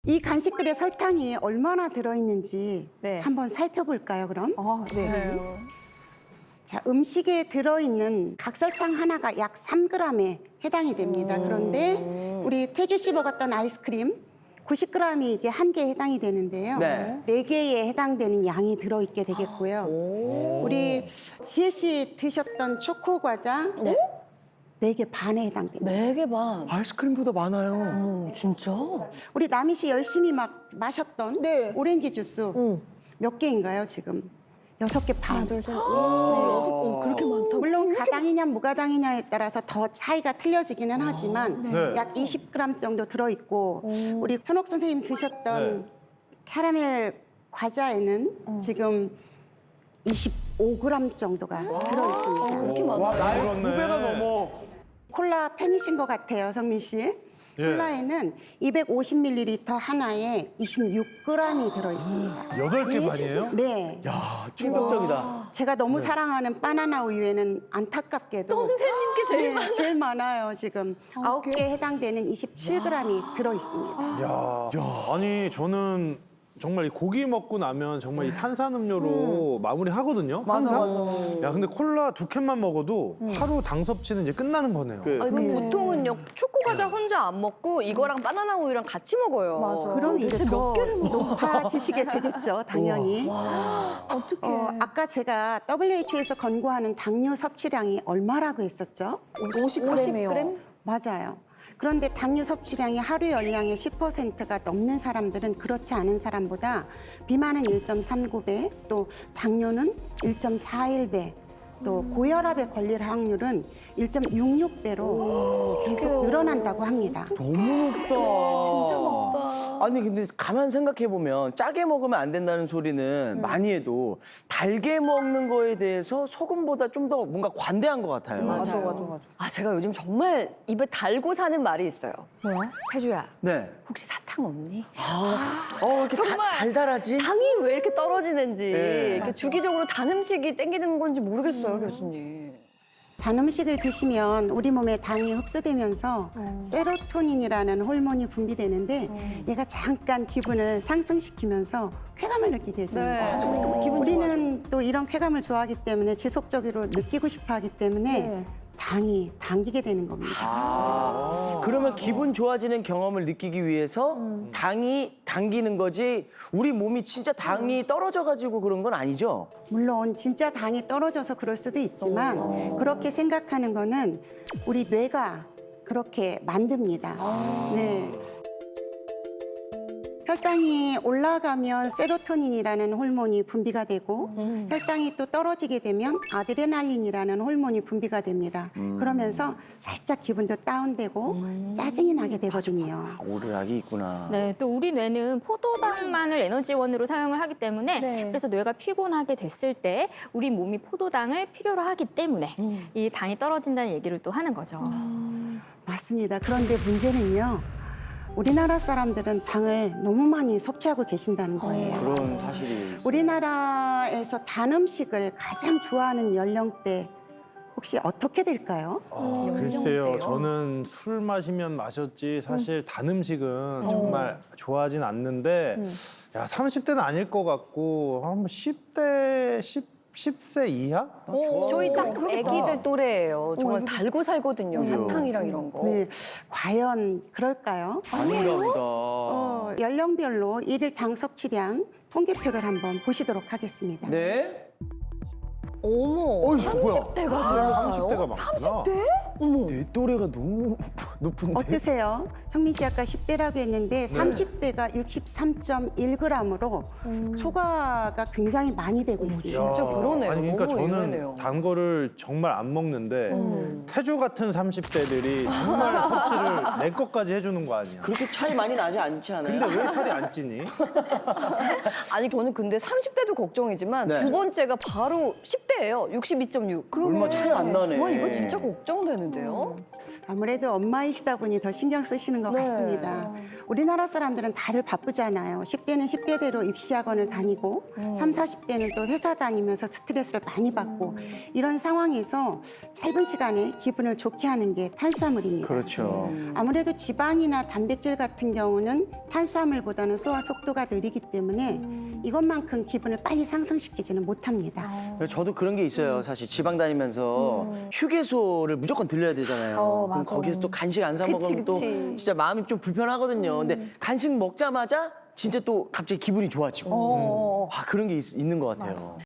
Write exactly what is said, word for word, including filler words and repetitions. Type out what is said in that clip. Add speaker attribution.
Speaker 1: 이 간식들의 설탕이 얼마나 들어있는지
Speaker 2: 네.
Speaker 1: 한번 살펴볼까요, 그럼?
Speaker 2: 아, 네.
Speaker 1: 자, 음식에 들어있는 각설탕 하나가 약 삼 그램에 해당이 됩니다. 그런데 우리 태주 씨 먹었던 아이스크림 구십 그램이 이제 한 개에 해당이 되는데요.
Speaker 3: 네.
Speaker 1: 네 개에 해당되는 양이 들어있게 되겠고요. 우리 지혜 씨 드셨던 초코 과자 네 개 반에 해당됩니다.
Speaker 4: 네 개 반.
Speaker 3: 아이스크림보다 많아요.
Speaker 4: 어, 진짜?
Speaker 1: 우리 남희 씨 열심히 막 마셨던
Speaker 2: 네.
Speaker 1: 오렌지 주스 몇 개인가요, 지금? 여섯 개 반.
Speaker 4: 하나, 둘, 셋. 오, 어, 그렇게 많다고?
Speaker 1: 물론 가당이냐 무가당이냐에 따라서 더 차이가 틀려지기는 하지만
Speaker 5: 네.
Speaker 1: 약 이십 그램 정도 들어있고 우리 현옥 선생님 드셨던
Speaker 5: 네.
Speaker 1: 캐러멜 과자에는 지금 이십오 그램 정도가 들어있습니다.
Speaker 4: 그렇게 많아?
Speaker 3: 와, 나의
Speaker 5: 그렇네.
Speaker 3: 두 배가 넘어.
Speaker 1: 콜라 팬이신 것 같아요, 성민 씨. 콜라에는 이백오십 밀리리터 하나에 이십육 그램이 들어있습니다.
Speaker 5: 여덟 개
Speaker 1: 이-
Speaker 5: 반이에요?
Speaker 1: 네.
Speaker 3: 야, 충격적이다.
Speaker 1: 제가 너무 사랑하는 바나나 우유에는 안타깝게도
Speaker 4: 선생님께 제일
Speaker 1: 네,
Speaker 4: 많아.
Speaker 1: 제일 많아요, 지금. 아홉 개에 해당되는 이십칠 그램이 들어있습니다.
Speaker 5: 야, 아니 저는 정말 이 고기 먹고 나면 정말 이 탄산음료로 마무리 하거든요. 항상. 야, 근데 콜라 두 캔만 먹어도 하루 당 섭취는 이제 끝나는 거네요.
Speaker 3: 그,
Speaker 4: 아니, 그 보통은요, 초코 과자 혼자 안 먹고 이거랑 바나나 우유랑 같이 먹어요.
Speaker 2: 맞아.
Speaker 1: 그럼 이제
Speaker 4: 대체
Speaker 1: 더
Speaker 4: 몇 개를 먹어?
Speaker 1: 높아지시게 되겠죠, 당연히.
Speaker 2: 어떡해.
Speaker 1: 어, 아까 제가 더블유에이치오에서 권고하는 당류 섭취량이 얼마라고 했었죠?
Speaker 2: 오십 그램이요.
Speaker 1: 맞아요. 그런데 당류 섭취량이 하루 열량의 십 퍼센트가 넘는 사람들은 그렇지 않은 사람보다 비만은 일 점 삼구 배, 또 당뇨는 일 점 사일 배, 또 고혈압에 걸릴 확률은 일 점 육육 배로 계속 늘어난다고 합니다.
Speaker 3: 너무 높다.
Speaker 4: 진짜 높다.
Speaker 3: 아니 근데 가만 생각해 보면 짜게 먹으면 안 된다는 소리는 많이 해도 달게 먹는 거에 대해서 소금보다 좀 더 뭔가 관대한 것 같아요.
Speaker 2: 맞아, 맞아, 맞아.
Speaker 4: 아, 제가 요즘 정말 입에 달고 사는 말이 있어요.
Speaker 2: 뭐야?
Speaker 4: 태주야,
Speaker 3: 네.
Speaker 4: 혹시 사탕 없니?
Speaker 3: 어 이렇게 다-
Speaker 4: 정말.
Speaker 3: 달달하지?
Speaker 4: 당이 왜 이렇게 떨어지는지
Speaker 3: 네.
Speaker 4: 이렇게 주기적으로 단 음식이 땡기는 건지 모르겠어요, 교수님.
Speaker 1: 단 음식을 드시면 우리 몸에 당이 흡수되면서 세로토닌이라는 호르몬이 분비되는데 얘가 잠깐 기분을 상승시키면서 쾌감을 느끼게 해줍니다.
Speaker 4: 네. 아, 기분
Speaker 1: 우리는 또 이런 쾌감을 좋아하기 때문에 지속적으로 느끼고 싶어 하기 때문에
Speaker 2: 네.
Speaker 1: 당이 당기게 되는 겁니다.
Speaker 3: 아, 그러면 기분 좋아지는 경험을 느끼기 위해서 당이 당기는 거지 우리 몸이 진짜 당이 떨어져가지고 그런 건 아니죠?
Speaker 1: 물론 진짜 당이 떨어져서 그럴 수도 있지만 그렇게 생각하는 거는 우리 뇌가 그렇게 만듭니다. 네. 혈당이 올라가면 세로토닌이라는 호르몬이 분비가 되고 혈당이 또 떨어지게 되면 아드레날린이라는 호르몬이 분비가 됩니다. 그러면서 살짝 기분도 다운되고 짜증이 나게 되거든요.
Speaker 3: 아, 오르락이 있구나.
Speaker 6: 네, 또 우리 뇌는 포도당만을 에너지원으로 사용을 하기 때문에
Speaker 2: 네.
Speaker 6: 그래서 뇌가 피곤하게 됐을 때 우리 몸이 포도당을 필요로 하기 때문에 이 당이 떨어진다는 얘기를 또 하는 거죠.
Speaker 1: 맞습니다. 그런데 문제는요. 우리나라 사람들은 당을 너무 많이 섭취하고 계신다는 거예요.
Speaker 3: 그런 사실이 있어요.
Speaker 1: 우리나라에서 단 음식을 가장 좋아하는 연령대 혹시 어떻게 될까요?
Speaker 5: 아, 글쎄요, 저는 술 마시면 마셨지 사실 단 음식은 정말 좋아하진 않는데 야, 삼십 대는 아닐 것 같고 한 십 대, 십 세 이하?
Speaker 4: 저희 딱 애기들 또래예요. 정말 달고 살거든요, 사탕이랑 이런 거.
Speaker 1: 네, 과연 그럴까요?
Speaker 3: 아닌가 보다.
Speaker 1: 어, 연령별로 일일 당 섭취량 통계표를 한번 보시도록 하겠습니다.
Speaker 3: 네?
Speaker 4: 어머,
Speaker 3: 어이, 뭐야?
Speaker 4: 삼십 대가 들어가요?
Speaker 5: 삼십 대가 많구나.
Speaker 4: 어머.
Speaker 3: 내 또래가 너무 높은데.
Speaker 1: 어떠세요? 성민 씨 아까 십 대라고 했는데 삼십 대가 육십삼 점 일 그램으로 초과가 굉장히 많이 되고 있습니다.
Speaker 5: 야,
Speaker 4: 진짜 그러네요.
Speaker 5: 아니 그러니까
Speaker 4: 너무
Speaker 5: 저는
Speaker 4: 의외네요.
Speaker 5: 단 거를 정말 안 먹는데 태주 같은 삼십 대들이 정말 섭취를 내 것까지 해주는 거 아니야.
Speaker 3: 그렇게 차이 많이 나지 않지 않아요?
Speaker 5: 근데 왜 살이 안 찌니?
Speaker 4: 아니, 저는 근데 삼십 대도 걱정이지만
Speaker 3: 네.
Speaker 4: 두 번째가 바로 십 대예요. 육십이 점 육.
Speaker 3: 얼마 차이 안 나네.
Speaker 4: 와, 이거 진짜 걱정되는데요?
Speaker 1: 아무래도 엄마이신 어리시다 보니 더 신경 쓰시는 것
Speaker 4: 네.
Speaker 1: 같습니다. 우리나라 사람들은 다들 바쁘잖아요. 십 대는 십 대대로 입시학원을 다니고 삼, 사십 대는 또 회사 다니면서 스트레스를 많이 받고 이런 상황에서 짧은 시간에 기분을 좋게 하는 게 탄수화물입니다.
Speaker 3: 그렇죠.
Speaker 1: 아무래도 지방이나 단백질 같은 경우는 탄수화물보다는 소화 속도가 느리기 때문에 이것만큼 기분을 빨리 상승시키지는 못합니다.
Speaker 3: 저도 그런 게 있어요. 사실 지방 다니면서 휴게소를 무조건 들려야 되잖아요.
Speaker 2: 어,
Speaker 3: 그럼
Speaker 2: 맞아.
Speaker 3: 거기서 또 간식 안 사
Speaker 4: 그치,
Speaker 3: 먹으면 또
Speaker 4: 그치.
Speaker 3: 진짜 마음이 좀 불편하거든요. 근데 간식 먹자마자 진짜 또 갑자기 기분이 좋아지고
Speaker 2: 어.
Speaker 3: 아, 그런 게 있, 있는 것 같아요.